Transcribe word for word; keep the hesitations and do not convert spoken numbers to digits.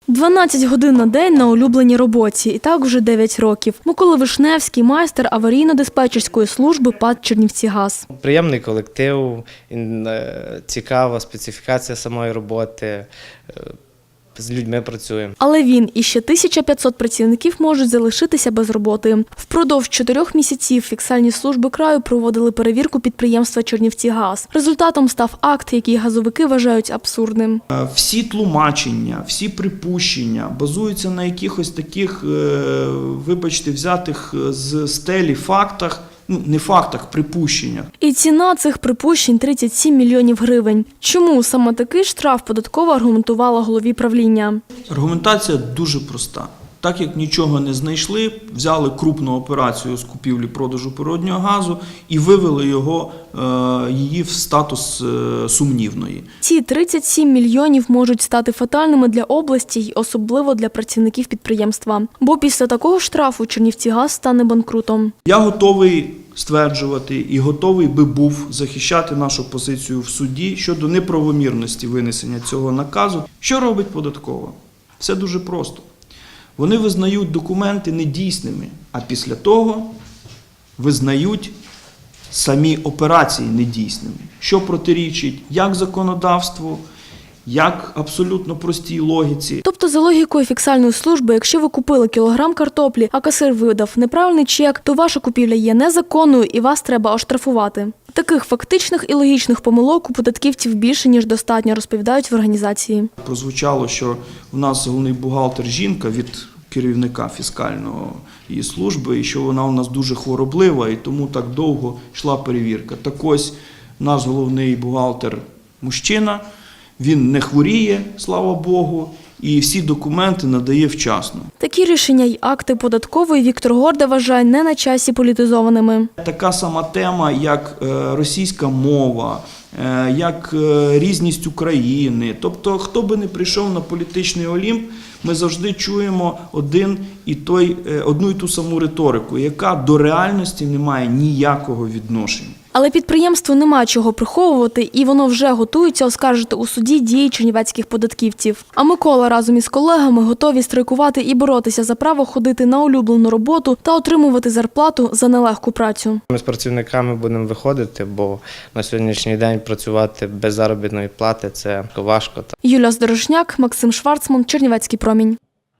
дванадцять годин на день на улюбленій роботі. І так вже дев'ять років. Микола Вишневський – майстер аварійно-диспетчерської служби ПАТ «Чернівцігаз». Приємний колектив, цікава специфікація самої роботи, з людьми працюємо. Але він і ще тисяча п'ятсот працівників можуть залишитися без роботи. Впродовж чотирьох місяців фіскальні служби краю проводили перевірку підприємства «Чернівцігаз». Результатом став акт, який газовики вважають абсурдним. Всі тлумачення, всі припущення базуються на якихось таких, вибачте, взятих з стелі фактах, ну, не фактах, припущеннях. І ціна цих припущень – тридцять сім мільйонів гривень. Чому саме такий штраф податкова аргументувала голові правління? Аргументація дуже проста. Так як нічого не знайшли, взяли крупну операцію з купівлі-продажу природнього газу і вивели його, її в статус сумнівної. Ці тридцять сім мільйонів можуть стати фатальними для області й особливо для працівників підприємства. Бо після такого штрафу Чернівцігаз стане банкрутом. Я готовий стверджувати і готовий би був захищати нашу позицію в суді щодо неправомірності винесення цього наказу. Що робить податкова? Все дуже просто. Вони визнають документи недійсними, а після того визнають самі операції недійсними, що протирічить як законодавству, як абсолютно простій логіці. Тобто за логікою фіскальної служби, якщо ви купили кілограм картоплі, а касир видав неправильний чек, то ваша купівля є незаконною і вас треба оштрафувати. Таких фактичних і логічних помилок у податківців більше, ніж достатньо, розповідають в організації. Прозвучало, що в нас головний бухгалтер жінка від керівника фіскальної її служби, і що вона у нас дуже хвороблива, і тому так довго йшла перевірка. Так ось, наш головний бухгалтер мужчина, він не хворіє, слава Богу, і всі документи надає вчасно. Такі рішення й акти податкової Віктор Горда вважає не на часі політизованими. Така сама тема, як російська мова, як різність України. Тобто, хто би не прийшов на політичний Олімп, ми завжди чуємо один і той, одну і ту саму риторику, яка до реальності не має ніякого відношення. Але підприємству нема чого приховувати, і воно вже готується оскаржити у суді дії чернівецьких податківців. А Микола разом із колегами готові страйкувати і боротися за право ходити на улюблену роботу та отримувати зарплату за нелегку працю. Ми з працівниками будемо виходити, бо на сьогоднішній день працювати без заробітної плати – це важко. Юлія Здорожняк, Максим Шварцман, Чернівецький промінь.